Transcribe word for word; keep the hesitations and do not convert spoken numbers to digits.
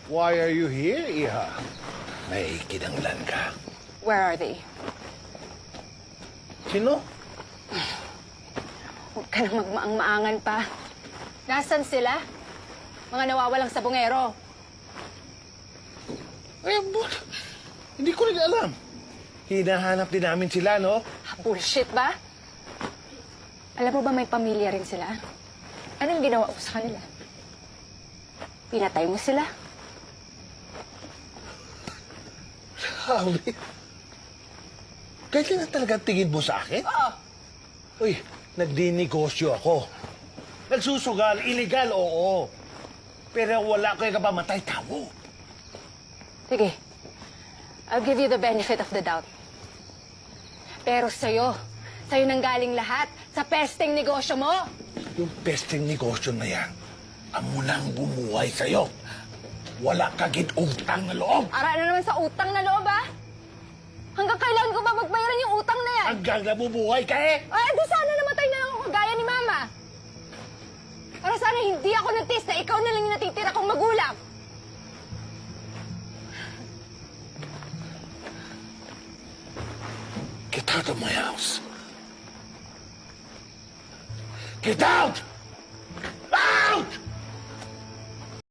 Why are you here, Iha? May kinanglan ka. Where are they? Sino? Huwag ka nang magmaang-maangan pa. Nasaan sila? Mga nawawalang sabongero. Eh, but, hindi ko rin alam. Hinahanap din namin sila, no? Bullshit ba? Alam mo ba may pamilya rin sila? Anong ginawa ko sa kanila? Pinatay mo sila? Sabi. Ganyan na talaga ang tingin mo sa akin? Oo. Uy, nagdinegosyo ako. Nagsusugal, illegal, oo. Pero wala ko yung kapamatay tao. Sige. I'll give you the benefit of the doubt. Pero sa'yo, sa'yo nang galing lahat sa pesteng negosyo mo. Yung pesteng negosyo na yan, amo nang bumuhay sa'yo. Wala kagit utang na loob. Ara na naman sa utang na loob, ah. Hanggang kailan ko ba magbayaran yung utang na yan? Hanggang nabubuhay ka eh. Ay, di sana namatay na lang ako gaya ni Mama. Para sana hindi ako nagtis na ikaw na lang yung natitira kong magulang. Get out of my house. Get out!